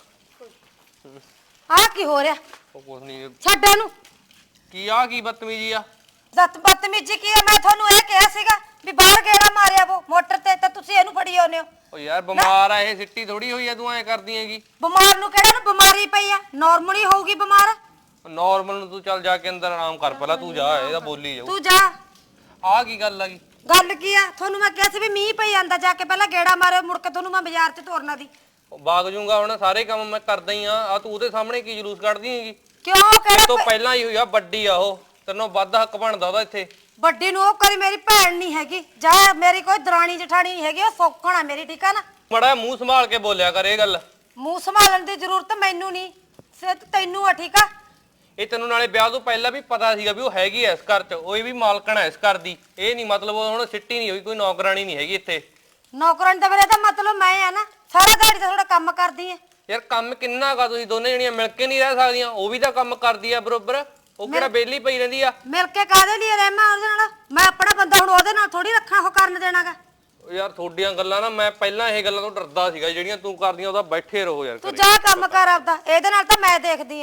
S2: ਆ ਕੀ ਹੋ ਰਿਹਾ?
S3: ਉਹ ਕੁਛ ਨਹੀਂ।
S2: ਛੱਡ ਇਹਨੂੰ।
S3: ਕੀ ਆ ਕੀ ਬਦਤਮੀਜੀ ਆ?
S2: ਜ਼ਤ ਬਦਤਮੀਜੀ ਕੀ ਹੈ? ਮੈਂ ਤੁਹਾਨੂੰ ਇਹ ਕਿਹਾ ਸੀਗਾ ਵੀ ਬਾਹਰ ਗੇੜਾ ਮਾਰਿਆ ਉਹ ਮੋਟਰ ਤੇ, ਤਾਂ ਤੁਸੀਂ ਇਹਨੂੰ ਫੜੀ ਆਉਂਦੇ ਹੋ।
S3: ਓ ਯਾਰ ਬਿਮਾਰ ਆ ਇਹ, ਸਿੱਟੀ ਥੋੜੀ ਹੋਈ ਆ, ਤੂੰ ਐ ਕਰਦੀ ਹੈਗੀ।
S2: ਬਿਮਾਰ ਨੂੰ ਕਿਹੜਾ ਨੂੰ ਬਿਮਾਰੀ ਪਈ ਆ? ਨਾਰਮਲੀ ਹੋਊਗੀ ਬਿਮਾਰ।
S3: ਨਾਰਮਲ ਨੂੰ ਤੂੰ ਚੱਲ ਜਾ ਕੇ ਅੰਦਰ ਆਰਾਮ ਕਰ, ਪਹਿਲਾਂ ਤੂੰ ਜਾ, ਇਹਦਾ ਬੋਲੀ ਜਾਊ।
S2: ਤੂੰ ਜਾ।
S3: ਆ ਕੀ ਗੱਲ ਆ ਗਈ?
S2: ਗੱਲ ਕੀ ਆ? ਤੁਹਾਨੂੰ ਮੈਂ ਕਿਹਾ ਸੀ ਵੀ ਮੀਂਹ ਪਈ ਜਾਂਦਾ, ਜਾ ਕੇ ਪਹਿਲਾਂ ਗੇੜਾ ਮਾਰਿਓ, ਮੁੜ ਕੇ ਤੁਹਾਨੂੰ ਮੈਂ ਬਾਜ਼ਾਰ 'ਚ ਤੋਰਨਾ ਦੀ।
S3: ਬਾਗ ਜੂੰਗਾ ਹੁਣ, ਸਾਰੇ ਕੰਮ ਮੈਂ ਕਰਦਾ ਹੀ ਆ। ਆ ਤੂੰ ਉਹਦੇ ਸਾਹਮਣੇ ਕੀ ਜਲੂਸ ਕੱਢਦੀ ਹੈਗੀ?
S2: ਕਿਉਂ?
S3: ਇਹ
S2: ਕਿਹੜਾ
S3: ਤੋਂ
S2: ਪ-
S3: ਪਹਿਲਾਂ ਹੀ ਹੋਈ ਆ, ਵੱਡੀ ਆ ਉਹ, ਤੈਨੂੰ ਵੱਧ ਹੱਕ ਬਣਦਾ ਉਹਦਾ ਇੱਥੇ।
S2: ਵੱਡੀ ਨੂੰ ਉਹ ਕਰੀ ਮੇਰੀ ਭੈਣ ਨਹੀਂ ਹੈਗੀ, ਜਾਂ ਮੇਰੀ ਕੋਈ ਦਰਾਣੀ ਜਠਾਣੀ ਨਹੀਂ ਹੈਗੀ, ਉਹ ਸੌਕਣ ਆ ਮੇਰੀ, ਠੀਕ ਆ ਨਾ?
S3: ਮੜਾ ਮੂੰਹ ਸੰਭਾਲ ਕੇ ਬੋਲਿਆ ਕਰ ਇਹ ਗੱਲ।
S2: ਮੂੰਹ ਸੰਭਾਲਣ ਦੀ ਜ਼ਰੂਰਤ ਮੈਨੂੰ ਨਹੀਂ, ਸਿਰਫ ਤੈਨੂੰ ਆ, ਠੀਕ ਆ?
S3: ਇਹ ਤੈਨੂੰ ਨਾਲੇ ਵਿਆਹ ਤੋਂ ਪਹਿਲਾਂ ਵੀ ਪਤਾ ਸੀਗਾ ਵੀ ਉਹ ਹੈਗੀ ਐ ਇਸ ਘਰ 'ਚ, ਉਹ ਵੀ ਮਾਲਕਣ ਐ ਇਸ ਘਰ ਦੀ। ਇਹ ਨਹੀਂ ਮਤਲਬ ਉਹ ਹੁਣ ਸਿੱਟੀ ਨਹੀਂ ਹੋਈ, ਕੋਈ ਨੌਕਰਾਨੀ ਨਹੀਂ ਹੈਗੀ ਇੱਥੇ।
S2: ਨੌਕਰਾਨੀ ਦਾ ਮੇਰੇ ਦਾ ਮਤਲਬ ਮੈਂ ਆ ਨਾ, ਸਾਰਾ ਦਿਹਾੜੀ ਤਾਂ ਥੋੜਾ ਕੰਮ ਕਰਦੀ ਆ।
S3: ਯਾਰ ਕੰਮ ਕਿੰਨਾ ਕਾ, ਤੁਸੀਂ ਦੋਨੇ ਜਣੀਆਂ ਮਿਲ ਕੇ ਨਹੀਂ ਰਹਿ ਸਕਦੀਆਂ? ਉਹ ਵੀ ਤਾਂ ਕੰਮ ਕਰਦੀ ਆ ਬਰੋਬਰ, ਉਹ ਕਿਹੜਾ ਵਿਹਲੀ ਪਈ ਰਹਿੰਦੀ ਆ?
S2: ਮਿਲ ਕੇ ਕਾਹਦੇ ਲਈ ਰਹਿਮਾ ਉਹਦੇ ਨਾਲ? ਮੈਂ ਆਪਣਾ ਬੰਦਾ ਹੁਣ ਉਹਦੇ ਨਾਲ ਥੋੜੀ ਰੱਖਾਂ, ਉਹ ਕਰਨ ਦੇਣਾਗਾ।
S3: ਯਾਰ ਤੁਹਾਡੀਆਂ ਗੱਲਾਂ ਨਾ, ਮੈਂ ਪਹਿਲਾਂ ਇਹ ਗੱਲਾਂ ਤੋਂ ਡਰਦਾ ਸੀਗਾ, ਜਿਹੜੀਆਂ ਤੂੰ ਕਰਦੀਆਂ ਉਹਦਾ ਬੈਠੇ ਰਹੋ ਯਾਰ
S2: ਤੂੰ
S3: ਘਰੇ।
S2: ਜਾ ਕੰਮ ਕਰ ਆਪਦਾ, ਇਹਦੇ ਨਾਲ ਤਾਂ ਮੈਂ ਦੇਖਦੀ ਆ।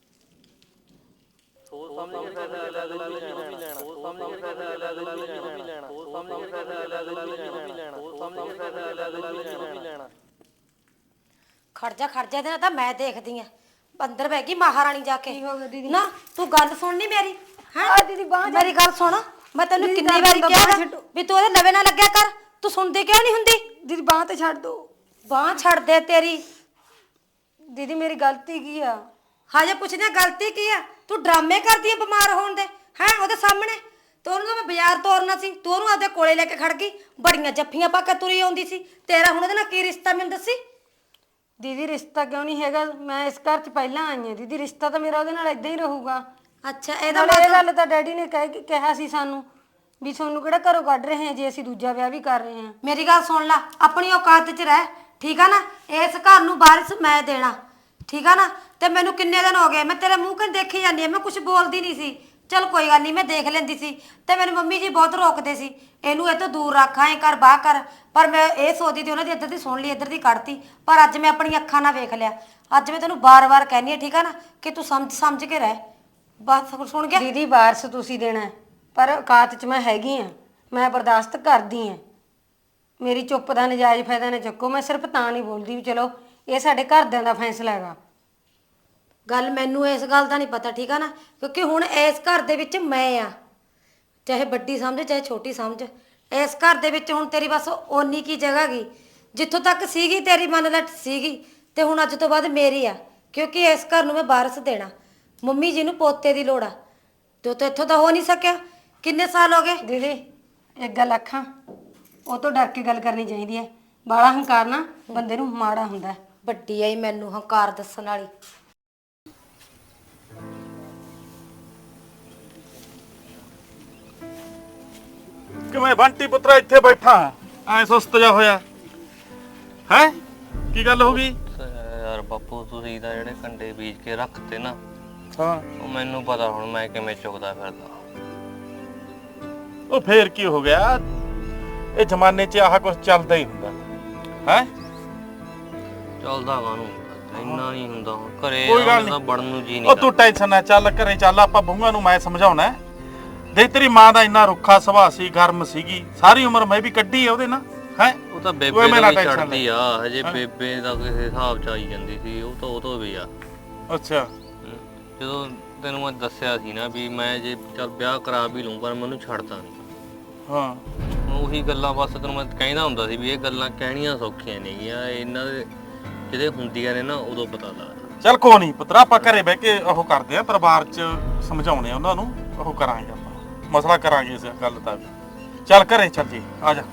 S2: ਖੜ ਜਾ ਖੜ ਜਾ, ਇਹਦੇ ਨਾਲ ਤਾਂ ਮੈਂ ਦੇਖਦੀ ਆ। ਅੰਦਰ ਬਹਿ ਗਈ ਮਹਾਰਾਣੀ ਜਾ ਕੇ। ਨਾ ਤੂੰ ਗੱਲ ਸੁਣਨੀ ਮੇਰੀ? ਹਾਂ ਦੀਦੀ ਬਾਹਰ ਮੇਰੀ ਗੱਲ ਸੁਣ,
S5: ਮੈਂ ਤੈਨੂੰ
S2: ਦੀਦੀ,
S5: ਕਿੰਨੀ
S2: ਗੱਲ
S5: ਵਾਰੀ
S2: ਤਾਂ
S5: ਕਿਹਾ
S2: ਬਾਂਹ
S5: ਗਾ
S2: ਛੱਡੋ।
S5: ਵੀ ਤੂੰ ਉਹਦੇ ਲਵੇ ਨਾ ਲੱਗਿਆ ਕਰ, ਤੂੰ ਸੁਣਦੀ ਕਿਉਂ ਨਹੀਂ ਹੁੰਦੀ?
S2: ਦੀਦੀ ਬਾਂਹ ਤੇ ਛੱਡ ਦੋ।
S5: ਬਾਂਹ ਛੱਡ ਦੇ ਤੇਰੀ।
S2: ਦੀਦੀ ਮੇਰੀ ਗਲਤੀ ਕੀ ਆ?
S5: ਹਾਜੇ ਪੁੱਛਦੇ ਆ ਗਲਤੀ ਕੀ ਆ? ਤੂੰ ਡਰਾਮੇ ਕਰਦੀ ਆ ਬਿਮਾਰ ਹੋਣ ਦੇ ਹੈ ਉਹਦੇ ਸਾਹਮਣੇ। ਤੂੰ ਉਹਨੂੰ ਮੈਂ ਬਾਜ਼ਾਰ ਤੋਰਨਾ ਸੀ, ਤੂੰ ਉਹਨੂੰ ਆਪਦੇ ਕੋਲੇ ਲੈ ਕੇ ਖੜ ਗਈ, ਬੜੀਆਂ ਜੱਫੀਆਂ ਪਾ ਕੇ ਤੁਰੀ ਆਉਂਦੀ ਸੀ। ਤੇਰਾ ਹੁਣ ਉਹਦੇ ਨਾਲ ਕੀ ਰਿਸ਼ਤਾ ਮੈਨੂੰ ਦੱਸੀ?
S2: ਦੀਦੀ ਰਿਸ਼ਤਾ ਕਿਉਂ ਨਹੀਂ ਹੈਗਾ? ਮੈਂ ਇਸ ਘਰ 'ਚ ਪਹਿਲਾਂ ਆਈ ਹਾਂ ਦੀਦੀ, ਰਿਸ਼ਤਾ ਤਾਂ ਮੇਰਾ ਉਹਦੇ ਨਾਲ ਇਦਾਂ ਹੀ ਰਹੂਗਾ।
S5: ਅੱਛਾ ਇਹਦਾ
S2: ਨਾਲੇ ਇਹ
S5: ਮਤਲਬ
S2: ਗੱਲ ਤਾਂ ਡੈਡੀ ਨੇ ਕਹਿ ਕਿਹਾ ਸੀ ਸਾਨੂੰ ਵੀ ਤੁਹਾਨੂੰ ਕਿਹੜਾ ਘਰੋਂ ਕੱਢ ਰਹੇ ਹਾਂ ਜੇ ਅਸੀਂ ਦੂਜਾ ਵਿਆਹ ਵੀ ਕਰ ਰਹੇ ਹਾਂ।
S5: ਮੇਰੀ ਗੱਲ ਸੁਣ ਲੈ, ਆਪਣੀ ਔਕਾਤ 'ਚ ਰਹਿ, ਠੀਕ ਆ ਨਾ? ਇਸ ਘਰ ਨੂੰ ਵਾਰਿਸ ਮੈਂ ਦੇਣਾ, ਠੀਕ ਆ ਨਾ? ਤੇ ਮੈਨੂੰ ਕਿੰਨੇ ਦਿਨ ਹੋ ਗਏ ਮੈਂ ਤੇਰੇ ਮੂੰਹ ਕੰਨ ਦੇਖੀ ਜਾਂਦੀ ਆ, ਮੈਂ ਕੁਝ ਬੋਲਦੀ ਨਹੀਂ ਸੀ। ਚਲ ਕੋਈ ਗੱਲ ਨਹੀਂ, ਮੈਂ ਦੇਖ ਲੈਂਦੀ ਸੀ। ਤੇ ਮੈਨੂੰ ਮੰਮੀ ਜੀ ਬਹੁਤ ਰੋਕਦੇ ਸੀ, ਇਹਨੂੰ ਇਹ ਤੋਂ ਦੂਰ ਰੱਖ, ਐਂ ਕਰ ਬਾਹ ਕਰ। ਪਰ ਮੈਂ ਇਹ ਸੋਚਦੀ ਸੀ ਉਹਨਾਂ ਦੀ ਇੱਧਰ ਦੀ ਸੁਣ ਲਈ, ਇੱਧਰ ਦੀ ਕੱਢਤੀ। ਪਰ ਅੱਜ ਮੈਂ ਆਪਣੀ ਅੱਖਾਂ ਨਾਲ ਵੇਖ ਲਿਆ। ਅੱਜ ਮੈਂ ਤੈਨੂੰ ਬਾਰ-ਬਾਰ ਕਹਿੰਦੀ ਆ, ਠੀਕ ਆ ਨਾ, ਕਿ ਤੂੰ ਸਮਝ ਸਮਝ ਕੇ ਰਹਿ। ਬਸ ਸੁਣ ਗਿਆ?
S2: ਦੀਦੀ ਵਾਰਸ ਤੁਸੀਂ ਦੇਣਾ ਹੈ, ਪਰ ਔਕਾਤ 'ਚ ਮੈਂ ਹੈਗੀ ਆ, ਮੈਂ ਬਰਦਾਸ਼ਤ ਕਰਦੀ ਆ। ਮੇਰੀ ਚੁੱਪ ਦਾ ਨਜਾਇਜ਼ ਫਾਇਦਾ ਨਾ ਚੱਕੋ। ਮੈਂ ਸਿਰਫ ਤਾਂ ਨਹੀਂ ਬੋਲਦੀ ਵੀ ਚਲੋ ਇਹ ਸਾਡੇ ਘਰਦਿਆਂ ਦਾ ਫੈਸਲਾ ਹੈਗਾ।
S5: ਗੱਲ ਮੈਨੂੰ ਇਸ ਗੱਲ ਦਾ ਨਹੀਂ ਪਤਾ, ਠੀਕ ਆ ਨਾ? ਕਿਉਂਕਿ ਹੁਣ ਇਸ ਘਰ ਦੇ ਵਿੱਚ ਮੈਂ ਆ, ਚਾਹੇ ਵੱਡੀ ਸਮਝ ਚਾਹੇ ਛੋਟੀ ਸਮਝ। ਇਸ ਘਰ ਦੇ ਵਿੱਚ ਹੁਣ ਤੇਰੀ ਬਸ ਓਨੀ ਕੀ ਜਗ੍ਹਾ ਗਈ, ਜਿੱਥੋਂ ਤੱਕ ਸੀਗੀ ਤੇਰੀ ਮੰਨ ਲੈ ਸੀਗੀ, ਤੇ ਹੁਣ ਅੱਜ ਤੋਂ ਬਾਅਦ ਮੇਰੀ ਆ। ਕਿਉਂਕਿ ਇਸ ਘਰ ਨੂੰ ਮੈਂ ਵਾਰਸ ਦੇਣਾ। ਮੰਮੀ ਜੀ ਨੂੰ ਪੋਤੇ ਦੀ ਲੋੜ ਆ, ਤੇ ਉਹ ਤਾਂ ਇੱਥੋਂ ਤਾਂ ਹੋ ਨਹੀਂ ਸਕਿਆ। ਕਿੰਨੇ ਸਾਲ ਹੋ ਗਏ?
S2: ਦੀਦੀ ਇੱਕ ਗੱਲ ਆਖਾਂ, ਉਹ ਤੋਂ ਡਰ ਕੇ ਗੱਲ ਕਰਨੀ ਚਾਹੀਦੀ ਹੈ। ਬਾਲਾ ਹੰਕਾਰ ਨਾ ਬੰਦੇ ਨੂੰ ਮਾੜਾ ਹੁੰਦਾ ਹੈ।
S5: ਵੱਡੀ ਆਈ ਮੈਨੂੰ ਹੰਕਾਰ ਦੱਸਣ ਵਾਲੀ।
S1: ਕਿਵੇਂ ਬੰਟੀ ਪੁੱਤਰਾ ਇੱਥੇ ਬੈਠਾ ਐ ਸੁਸਤ ਜਾ ਹੋਇਆ ਹੈ? ਕੀ ਗੱਲ ਹੋ ਗਈ?
S3: ਯਾਰ ਬਾਪੂ ਤੁਸੀਂ ਤਾਂ ਜਿਹੜੇ ਕੰਡੇ ਬੀਜ ਕੇ ਰੱਖਤੇ ਨਾ,
S1: ਹਾਂ
S3: ਉਹ ਮੈਨੂੰ ਪਤਾ ਹੁਣ ਮੈਂ ਕਿਵੇਂ ਚੁਗਦਾ ਫਿਰਦਾ।
S1: ਉਹ ਫੇਰ ਕੀ ਹੋ ਗਿਆ? ਇਹ ਜ਼ਮਾਨੇ 'ਚ ਆਹ ਕੁਝ ਚੱਲਦਾ ਹੀ ਹੁੰਦਾ ਹੈ।
S3: ਚੱਲਦਾ ਕਾਹਨੂੰ, ਇੰਨਾ ਨਹੀਂ ਹੁੰਦਾ। ਹੁਣ ਘਰੇ
S1: ਕੋਈ ਗੱਲ
S3: ਤਾਂ
S1: ਨੀ।
S3: ਵੜਨ ਨੂੰ ਜੀ
S1: ਉਹ
S3: ਨਹੀਂ
S1: ਤੂੰ ਟੈਨਸ਼ਨ ਨਾ, ਚੱਲ ਘਰੇ ਚੱਲ, ਆਪਾਂ ਬਹੂਆਂ ਨੂੰ ਮੈਂ ਸਮਝਾਉਣਾ। ਦੇਖ ਤੇਰੀ ਮਾਂ ਦਾ ਇੰਨਾ ਰੁੱਖਾ ਸੁਭਾਅ ਸੀ, ਗਰਮ ਸੀਗੀ, ਸਾਰੀ ਉਮਰ ਮੈਂ ਵੀ ਕੱਢੀ ਆ ਉਹਦੇ ਨਾਲ ਹੈ।
S3: ਉਹ ਤਾਂ
S1: ਕੋਈ
S3: ਬੇਬੇ
S1: ਮੈਂ
S3: ਦਾ
S1: ਨਾ
S3: ਵੀ
S1: tension
S3: ਛੱਡਦੀ ਆ, ਹਜੇ ਬੇਬੇ ਦਾ ਕਿਸੇ ਹਿਸਾਬ ਚ ਆਈ ਜਾਂਦੀ ਸੀ। ਉਹ ਤਾਂ ਉਹ ਤੋਂ ਵੀ ਆ।
S1: ਅੱਛਾ
S3: ਹਮ, ਜਦੋਂ ਤੈਨੂੰ ਮੈਂ ਦੱਸਿਆ ਸੀ ਨਾ ਵੀ ਮੈਂ ਜੇ ਚੱਲ ਵਿਆਹ ਕਰਾ ਵੀ ਲੂੰ ਪਰ ਮੈਨੂੰ ਛੱਡਦਾ ਨਹੀਂ।
S1: ਹਾਂ
S3: ਹੁਣ ਉਹੀ ਗੱਲਾਂ ਬਸ ਤੈਨੂੰ ਮੈਂ ਕਹਿੰਦਾ ਹੁੰਦਾ ਸੀ ਵੀ ਇਹ ਗੱਲਾਂ ਕਹਿਣੀਆਂ ਸੌਖੀਆਂ ਨੇਗੀਆਂ, ਇਹਨਾਂ ਦੇ ਜਿਹੜੇ ਹੁੰਦੀਆਂ ਨੇ ਨਾ ਉਦੋਂ ਪਤਾ ਲੱਗਦਾ।
S1: ਚੱਲ ਕੋਈ ਨਹੀਂ ਪੁੱਤਰਾ, ਆਪਾਂ ਘਰੇ ਬਹਿ ਕੇ ਉਹ ਕਰਦੇ ਆ, ਪਰਿਵਾਰ 'ਚ ਸਮਝਾਉਣੇ ਆ ਉਹਨਾਂ ਨੂੰ, ਉਹ ਕਰਾਂਗੇ ਆਪਾਂ, ਮਸਲਾ ਕਰਾਂਗੇ ਇਸ ਗੱਲ ਦਾ ਵੀ। ਚੱਲ ਘਰੇ ਚੱਲ ਜੀ, ਆ ਜਾ।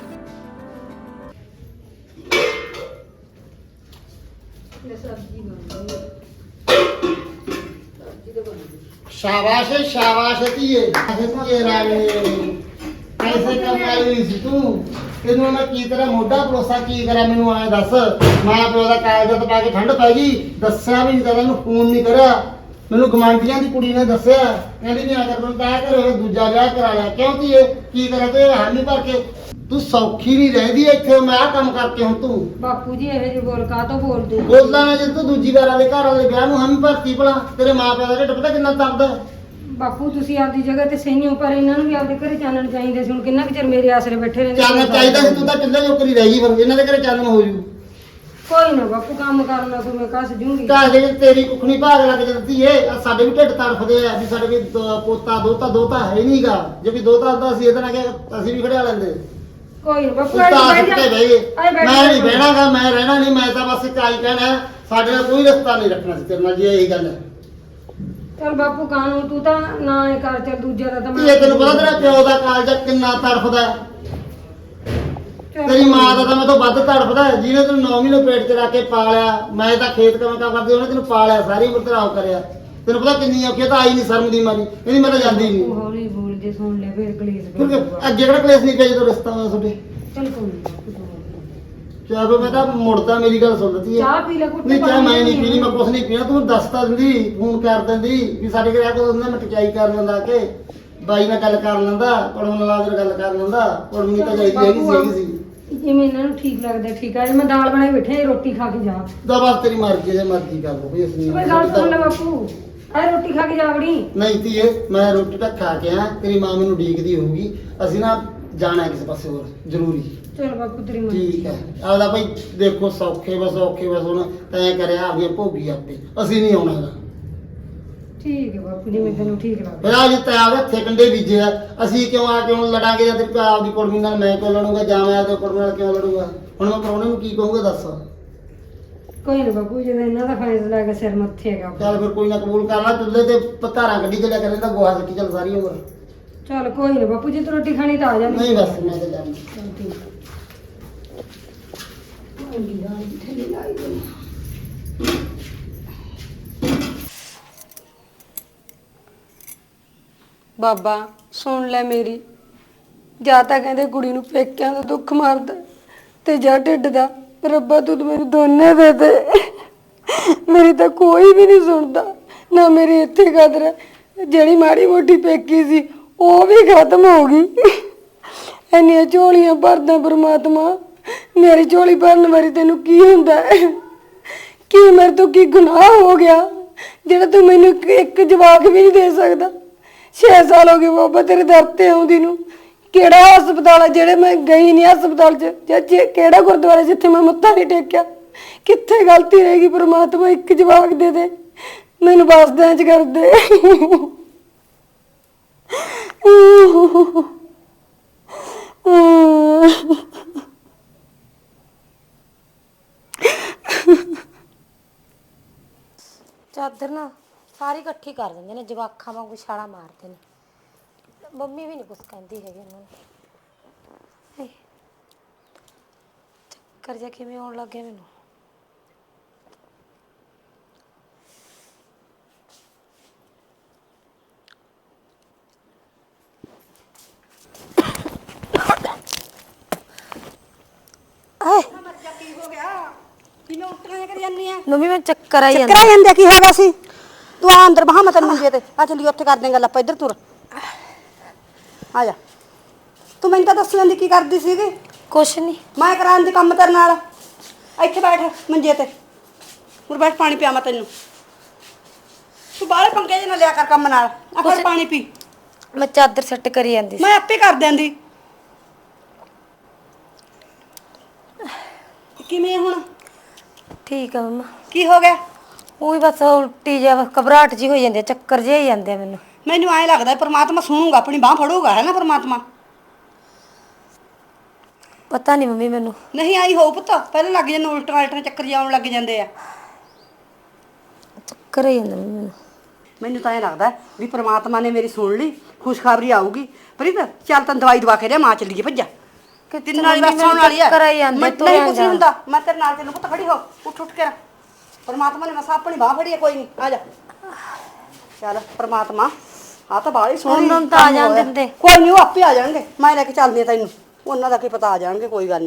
S6: शाबाश है शाबाश है ਧੀਏ ਧੀਏ ਰਾਣੀ ਐਸੇ ਕਮਾਈ ਨਹੀਂ ਸੀ ਤੂੰ। ਤੈਨੂੰ ਮੈਂ ਕੀ ਤਰ੍ਹਾਂ ਮੋਢਾ ਭਰੋਸਾ ਕੀ ਕਰਾਂ, ਮੈਨੂੰ ਐਂ ਦੱਸ। ਮਾਂ ਪਿਓ ਦਾ ਕਾਗਜ਼ਾਤ ਪਾ ਕੇ ਠੰਡ ਪੈ ਗਈ, ਦੱਸਿਆ ਵੀ ਨਹੀਂ, ਤੈਨੂੰ ਫੋਨ ਨਹੀਂ ਕਰਿਆ। ਮੈਨੂੰ ਗਵਾਂਢੀਆਂ ਦੀ ਕੁੜੀ ਨੇ ਦੱਸਿਆ, ਕਹਿੰਦੀ ਨਹੀਂ ਆ ਕਰ ਤੈਨੂੰ ਤਾਂ ਘਰੇ ਦੂਜਾ ਵਿਆਹ ਕਰਾ ਲਿਆ। ਕਿਉਂ ਧੀਏ ਕੀ ਕਰਾਂ ਤੇ ਹਾਨੀ ਭਰ ਕੇ ਤੂੰ ਸੌਖੀ ਨਹੀਂ ਰਹਿੰਦੀ ਇੱਥੇ। ਮੈਂ ਆਹ ਕੰਮ ਕਰਕੇ ਹੁਣ ਤੂੰ
S2: ਬਾਪੂ ਜੀ ਇਹੋ ਜਿਹੇ ਬੋਲ ਕਾ ਤੋਂ ਬੋਲਦੇ?
S6: ਬੋਲਦਾ ਨਾ, ਜੇ ਤੂੰ ਦੂਜੀ ਵਾਰ ਵਾਲੇ ਘਰ ਵਾਲੇ ਵਿਆਹ ਨੂੰ ਹਾਮੀ ਭਰਤੀ ਭਲਾ, ਤੇਰੇ ਮਾਂ ਪਿਓ ਦਾ ਢਿੱਡ ਪਤਾ ਕਿੰਨਾ ਦਰਦ ਹੈ।
S2: ਬਾਪੂ ਤੁਸੀਂ ਆਪਦੀ ਜਗ੍ਹਾ ਤੇ ਸਹੀ ਹੋ, ਪਰ ਇਹਨਾਂ ਨੂੰ ਵੀ ਆਪਦੇ ਘਰੇ ਚਾਨਣ ਚਾਹੀਦੇ ਸੀ। ਹੁਣ ਕਿੰਨਾ ਕੁ ਚਿਰ ਮੇਰੇ ਆਸਰੇ ਬੈਠੇ ਰਹਿੰਦੇ?
S6: ਚਾਨਣ ਚਾਹੀਦਾ ਸੀ, ਤੂੰ ਤਾਂ ਕਿੱਲੇ ਜੋਕਰੀ ਰਹਿ ਗਈ, ਫਿਰ ਇਹਨਾਂ ਦੇ ਘਰੇ ਚਾਨਣ ਹੋ ਜੂ।
S2: ਕੋਈ ਨਾ ਬਾਪੂ, ਕੰਮ ਕਰਨਾ ਕੋਈ ਮੈਂ ਕੱਸ ਜੂੰਗੀ।
S6: ਘਰ ਦੇ ਵਿੱਚ ਤੇਰੀ ਕੁੱਖਣੀ ਭਾਗ ਲੱਗ ਜਾਂਦੀ ਏ। ਆਹ ਸਾਡੇ ਵੀ ਢਿੱਡ ਤੜਫਦੇ ਆ ਵੀ ਸਾਡੇ ਵੀ ਦ- ਪੋਤਾ ਦੋਤਾ ਦੋਤਾ ਹੈ ਨਹੀਂਗਾ। ਜੇ ਵੀ ਦੋਤਾ ਹੁੰਦਾ ਸੀ ਇਹਦੇ ਨਾਲ ਕਿ ਅਸੀਂ ਵੀ ਖੜਿਆ ਲੈਂਦੇ।
S2: ਕੋਈ ਨਾ ਬਾਪੂ,
S6: ਤੂੰ ਤਾਂ
S2: ਬਹਿ ਜਾ।
S6: ਸੁੱਤੇ ਬਹਿ ਗਏ।
S2: ਆਏ ਬੈਠ
S6: ਮੈਂ
S2: ਜਾ।
S6: ਨਹੀਂ ਬਹਿਣਾਗਾ, ਮੈਂ ਰਹਿਣਾ ਨਹੀਂ। ਮੈਂ ਤਾਂ ਬਸ ਚਾਈ ਕਹਿਣਾ, ਸਾਡੇ ਨਾਲ ਕੋਈ ਰਸਤਾ ਨਹੀਂ ਰੱਖਣਾ ਸੀ ਤੇਰੇ ਨਾਲ, ਜੇ ਇਹੀ ਗੱਲ ਹੈ।
S2: ਚੱਲ ਬਾਪੂ ਕਾਨੂੰ ਤੂੰ ਤਾਂ ਨਾ ਇਹ ਕਰ, ਚੱਲ ਦੂਜਾ ਦਾ ਤਾਂ
S6: ਕੀ ਇਹ ਤੈਨੂੰ ਪਤਾ ਤੇਰਾ ਪਿਓ ਦਾ ਕਾਲਜਾ ਕਿੰਨਾ ਤੜਫਦਾ ਹੈ?
S2: ਚੱਲ
S6: ਤੇਰੀ ਮਾਂ ਦਾ ਤਾਂ ਮੈਂ ਤੋਂ ਵੱਧ ਤੜਫਦਾ ਹੈ, ਜਿਹਨੇ ਤੈਨੂੰ ਨੌ ਮਹੀਨੇ ਪੇਟ 'ਚ ਰੱਖ ਕੇ ਪਾਲਿਆ। ਮੈਂ ਤਾਂ ਖੇਤ ਕੰਮ ਕੰਮ ਕਰਦੀ, ਉਹਨੇ ਤੈਨੂੰ ਪਾਲਿਆ, ਸਾਰੀ ਉਮਰ ਤੇਰਾ ਉਹ ਕਰਿਆ। ਤੈਨੂੰ ਪਤਾ ਕਿੰਨੀ ਔਖੀ ਹੈ, ਤਾਂ ਆਈ ਨਹੀਂ ਸ਼ਰਮ ਦੀ ਮਾਰੀ, ਇਹਦੀ ਮੈਂ ਤਾਂ ਜਾਂਦੀ ਨਹੀਂ।
S2: ਤੂੰ ਹੌਲੀ ਬੋਲ, ਜੇ ਸੁਣ ਲੈ ਫੇਰ ਕਲੇਸ਼ ਪੈ
S6: ਕਿਉਂਕਿ
S2: ਜਾਊਗਾ।
S6: ਅੱਗੇ ਕਿਹੜਾ ਕਲੇਸ਼ ਨਹੀਂ ਪਿਆ ਜਦੋਂ ਰਿਸ਼ਤਾ ਹੋਇਆ ਤੁਹਾਡੇ।
S2: ਚੱਲ ਕੋਈ ਨਾ ਬਾਪੂ, ਤੂੰ
S6: ਚਾਹ ਮੈਂ ਤਾਂ ਮੁੜਦਾ, ਮੇਰੀ ਗੱਲ ਸੁਣ ਲੱਤੀ
S2: ਚਾਹ ਪੀ ਲੈ ਕੁੱਟ।
S6: ਨਹੀਂ ਚਾਹ ਮੈਂ ਨਹੀਂ ਪੀਣੀ, ਮੈਂ ਕੁਛ ਨਹੀਂ ਪੀਣਾ। ਤੂੰ ਦੱਸ ਤਾਂ ਦਿੰਦੀ, ਫੋਨ ਕਰ ਦਿੰਦੀ ਵੀ ਸਾਡੇ ਘਰੇ ਆ ਕੇ ਉਹਨਾਂ ਮੈਂ ਟਚਾਈ ਕਰ ਲੈਂਦਾ, ਕਿ ਬਾਈ ਨਾਲ ਗੱਲ ਕਰ ਲੈਂਦਾ, ਪੜਨ ਨਾਲ ਗੱਲ ਕਰ ਲੈਂਦਾ। ਪੜਨੀ ਤਾਂ ਚਾਹੀਦੀ ਹੈਗੀ ਸੀ ਹੈਗੀ ਸੀ
S2: ਜਿਵੇਂ ਇਹਨਾਂ ਨੂੰ ਠੀਕ ਲੱਗਦਾ ਠੀਕ ਆ। ਮੈਂ ਦਾਲ ਬਣਾਈ ਬੈਠੇ, ਰੋਟੀ ਖਾ ਕੇ ਜਾ।
S6: ਦਾ ਬਸ ਤੇਰੀ ਮਰਜ਼ੀ, ਜੇ ਮਰਜ਼ੀ ਕਰ ਲਓ ਵੀ ਅਸੀਂ
S2: ਕੋਈ ਗੱਲ ਸੁਣ ਲੈ ਬਾਪੂ, ਐ ਰੋਟੀ ਖਾ ਕੇ ਜਾ ਵੜੀ।
S6: ਨਹੀਂ ਧੀਏ, ਮੈਂ ਰੋਟੀ ਤਾਂ ਖਾ ਕੇ ਆ, ਤੇਰੀ ਮਾਂ ਮੈਨੂੰ ਉਡੀਕਦੀ ਹੋਊਗੀ। ਅਸੀਂ ਨਾ ਜਾਣਾ ਕਿਸੇ ਪਾਸੇ ਹੋਰ ਜ਼ਰੂਰੀ।
S2: ਚਲ ਬਾਪੂ ਤੇਰੀ ਮਰਜ਼ੀ।
S6: ਠੀਕ ਹੈ, ਆਪਦਾ ਭਾਈ ਦੇਖੋ ਸੌਖੇ ਬਸ ਔਖੇ ਬਸ ਹੁਣ ਤੈਂ ਕਰਿਆ ਆਪਦੀਆਂ ਭੋਗੀ ਆਪੇ, ਅਸੀਂ ਨਹੀਂ ਆਉਣਾ ਹੈਗਾ।
S2: ਠੀਕ ਹੈ ਬਾਪੂ ਜੀ, ਮੈਂ ਤੈਨੂੰ ਠੀਕ ਲੱਗਦਾ।
S6: ਫਿਰ ਆ ਜਿੱਤੇ ਆਵੇ ਹੱਥੇ ਕੰਡੇ ਬੀਜੇ ਆ, ਅਸੀਂ ਕਿਉਂ ਆ ਕੇ ਹੁਣ ਲੜਾਂਗੇ ਜਾਂ ਤੇਰੀ ਆਪਦੀ ਕੁੜਮੀ ਨਾਲ ਮੈਂ ਕਿਉਂ ਲੜੂੰਗਾ ਜਾਂ ਮੈਂ ਆਪਦੇ ਕੁੜਮੀ ਨਾਲ ਕਿਉਂ ਲੜੂੰਗਾ? ਹੁਣ ਮੈਂ ਪ੍ਰਾਹੁਣੇ ਨੂੰ ਕੀ ਕਹੂੰਗਾ ਦੱਸ?
S2: ਕੋਈ ਨਾ ਬਾਪੂ, ਜਦੋਂ ਇਹਨਾਂ ਦਾ ਫੈਸਲਾ ਹੈਗਾ ਸਿਰ ਮੱਥੇ ਹੈਗਾ।
S6: ਚੱਲ ਫਿਰ ਕੋਈ ਨਾ ਕਬੂਲ ਕਰ ਲਾ, ਚੁੱਲ੍ਹੇ ਤੇ ਪਤਾਰਾਂ ਕੱਢੀ ਚੱਲਿਆ ਕਰ ਲੈਂਦਾ, ਗੋਹਾ ਸਿੱਟੀ ਚੱਲ ਸਾਰੀ ਉਮਰ।
S2: ਚਲ ਕੋਈ ਨਾ ਬਾਪੂ ਜੀ, ਤੂੰ ਰੋਟੀ ਖਾਣੀ ਤਾਂ ਆ ਜਾ।
S6: ਨਹੀਂ ਬਸ ਮੈਂ ਤਾਂ ਜਾਣਾ।
S2: ਚੱਲ ਠੀਕ ਹੈ। ਬਾਬਾ ਸੁਣ ਲੈ ਮੇਰੀ, ਜਾਂ ਤਾਂ ਕਹਿੰਦੇ ਕੁੜੀ ਨੂੰ ਪੇਕਿਆਂ ਦਾ ਦੁੱਖ ਮਾਰਦਾ ਤੇ ਜਾਂ ਢਿੱਡ ਦਾ। ਰੱਬਾ ਤੂੰ ਤਾਂ ਮੈਨੂੰ ਦੋਨੇ ਦੇ ਦੇ, ਮੇਰੀ ਤਾਂ ਕੋਈ ਵੀ ਨਹੀਂ ਸੁਣਦਾ, ਨਾ ਮੇਰੀ ਇੱਥੇ ਕਦਰ ਹੈ। ਜਿਹੜੀ ਮਾੜੀ ਮੋਟੀ ਪੇਕੀ ਸੀ ਉਹ ਵੀ ਖਤਮ ਹੋ ਗਈ। ਇੰਨੀਆਂ ਝੋਲੀਆਂ ਭਰਦਾ ਪਰਮਾਤਮਾ, ਮੇਰੀ ਝੋਲੀ ਭਰਨ ਵਾਰੀ ਤੈਨੂੰ ਕੀ ਹੁੰਦਾ ਹੈ? ਕੀ ਮੇਰੇ ਤੋਂ ਕੀ ਗੁਨਾਹ ਹੋ ਗਿਆ ਜਿਹੜਾ ਤੂੰ ਮੈਨੂੰ ਇੱਕ- ਇੱਕ ਜਵਾਬ ਵੀ ਨਹੀਂ ਦੇ ਸਕਦਾ? ਛੇ ਸਾਲ ਹੋ ਗਏ ਬਾਬਾ ਤੇਰੇ ਦਰ ਤੇ ਆਉਂਦੀ ਨੂੰ। ਕਿਹੜਾ ਹਸਪਤਾਲ ਹੈ ਜਿਹੜੇ ਮੈਂ ਗਈ ਨਹੀਂ ਹਸਪਤਾਲ 'ਚ, ਜਾਂ ਜੇ ਕਿਹੜਾ ਗੁਰਦੁਆਰਾ ਜਿੱਥੇ ਮੈਂ ਮੱਥਾ ਨਹੀਂ ਟੇਕਿਆ? ਕਿੱਥੇ ਗਲਤੀ ਰਹੇਗੀ ਪਰਮਾਤਮਾ? ਇੱਕ ਜਵਾਬ ਦੇ ਦੇ ਮੈਨੂੰ, ਬਸਦਿਆਂ 'ਚ ਕਰ ਦੇ।
S5: ਚਾਦਰ ਨਾ ਸਾਰੀ ਇਕੱਠੀ ਕਰ ਦਿੰਦੇ ਨੇ, ਜਵਾਖਾਂ ਵਾਂਗੂ ਛਾਲਾ ਮਾਰਦੇ ਨੇ। ਮੰਮੀ ਵੀ ਨਹੀਂ ਕੁਛ ਕਹਿੰਦੀ ਹੈਗੀ ਇਹਨਾਂ ਨੂੰ। ਹਾਏ, ਚੱਕਰ ਜਿਹਾ ਕਿਵੇਂ ਆਉਣ ਲੱਗ ਗਿਆ ਮੈਨੂੰ।
S4: ਕਿਵੇਂ ਉੱਟੀਆਂ ਕਰੀ ਜਾਂਦੀ ਆ?
S5: ਮੰਮੀ ਮੈਂ ਚੱਕਰ ਆਈ
S4: ਚੱਕਰ ਆ ਜਾਂਦੇ, ਕੀ ਹੋ ਗਿਆ ਸੀ? ਤੂੰ ਆ ਅੰਦਰ ਬਹਾ, ਮੈਂ ਤੈਨੂੰ ਮੰਜੇ ਤੇ ਆ ਚੱਲੀ, ਉੱਥੇ ਕਰਦੇ ਗੱਲ ਆਪਾਂ। ਇੱਧਰ ਤੁਰ ਆ ਜਾ। ਤੂੰ ਮੈਨੂੰ ਤਾਂ ਦੱਸ ਜਾਂਦੀ ਕੀ ਕਰਦੀ ਸੀਗੀ?
S5: ਕੁਛ ਨਹੀਂ।
S4: ਮੈਂ ਕਰਾਂ ਦੀ ਕੰਮ ਤੇਰੇ ਨਾਲ। ਇੱਥੇ ਬੈਠ ਮੰਜੇ ਤੇ, ਮੁਰ ਬੈਠ, ਪਾਣੀ ਪਿਆ ਮੈਂ ਤੈਨੂੰ। ਤੂੰ ਬਾਹਰ ਪੰਗੇ ਜਿਹੇ ਨਾ ਲਿਆ ਕਰ ਕੰਮ ਨਾਲ। ਆ ਫਿਰ ਪਾਣੀ ਪੀ।
S5: ਮੈਂ ਚਾਦਰ ਸੈੱਟ ਕਰੀ ਜਾਂਦੀ ਸੀ।
S4: ਮੈਂ ਆਪੇ ਕਰ ਦਿੰਦੀ। ਕਿਵੇਂ ਹੁਣ?
S5: ਠੀਕ ਆ ਮੰਮਾ।
S4: ਕੀ ਹੋ ਗਿਆ?
S5: ਉਹ ਵੀ ਬਸ ਉਲਟੀ ਜਿਹਾ ਘਬਰਾਹਟ ਜੀ ਹੋਈ ਜਾਂਦੀ ਆ, ਚੱਕਰ ਜਿਹੇ ਹੀ ਜਾਂਦੇ ਆ ਮੈਨੂੰ।
S4: ਮੈਨੂੰ ਐਂ ਲੱਗਦਾ ਪਰਮਾਤਮਾ ਸੁਣੂਗਾ, ਆਪਣੀ ਬਾਹ ਫੜੂਗਾ, ਹੈ ਨਾ ਪਰਮਾਤਮਾ?
S5: ਪਤਾ ਨਹੀਂ ਮੰਮੀ ਮੈਨੂੰ।
S4: ਨਹੀਂ ਆਈ ਹੋ ਪੁੱਤ, ਪਹਿਲਾਂ ਲੱਗ ਜਾਂਦੇ ਉਲਟਾਂ ਉਲਟਾਂ ਚੱਕਰ ਜਿਹਾ ਆਉਣ ਲੱਗ ਜਾਂਦੇ ਆ।
S5: ਚੱਕਰ ਹੀ ਜਾਂਦੇ ਮੰਮੀ ਮੈਨੂੰ।
S4: ਮੈਨੂੰ ਤਾਂ ਇਹ ਲੱਗਦਾ ਵੀ ਪ੍ਰਮਾਤਮਾ ਨੇ ਮੇਰੀ ਸੁਣ ਲਈ, ਖੁਸ਼ਖਬਰੀ ਆਊਗੀ। ਪ੍ਰੀਤ ਚੱਲ ਤੈਨੂੰ ਦਵਾਈ ਦਵਾ ਕੇ ਲਿਆ, ਮਾਂ ਚੱਲੀਏ ਭੱਜਾ। ਤਿੰਨ ਨਾਲ ਬਸ ਆਉਣ ਵਾਲੀ ਆ।
S5: ਚੱਕਰ ਆਈ ਜਾਂਦੇ,
S4: ਮੈਂ
S5: ਤੁਰਿਆ
S4: ਨਹੀਂ ਕੁਛ
S5: ਜਾਣਾ।
S4: ਹੁੰਦਾ, ਮੈਂ ਤੇਰੇ ਨਾਲ ਤੈਨੂੰ ਪੁੱਤ ਖੜੀ ਹੋ, ਉੱਠ ਉੱਠ ਕੇ। ਪ੍ਰਮਾਤਮਾ ਨੇ ਮਸਾ ਆਪਣੀ ਬਾਹ ਫੜੀ ਹੈ, ਕੋਈ ਨਹੀਂ, ਆ ਜਾ। ਚੱਲ ਪ੍ਰਮਾਤਮਾ, ਆ ਤਾਂ ਬਾਹਲੀ ਸੋਹਣੀ
S5: ਉਹਨਾਂ ਨੂੰ ਤਾਂ ਆ ਜਾਣ ਦਿੰਦੇ।
S4: ਕੋਈ ਨਹੀਂ, ਉਹ ਆਪੇ ਆ ਜਾਣਗੇ। ਮੈਂ ਲੈ ਕੇ ਚੱਲਦੀ ਆ ਤੈਨੂੰ, ਉਹਨਾਂ ਦਾ ਕੀ ਪਤਾ, ਆ ਜਾਣਗੇ, ਕੋਈ ਗੱਲ ਨੀ।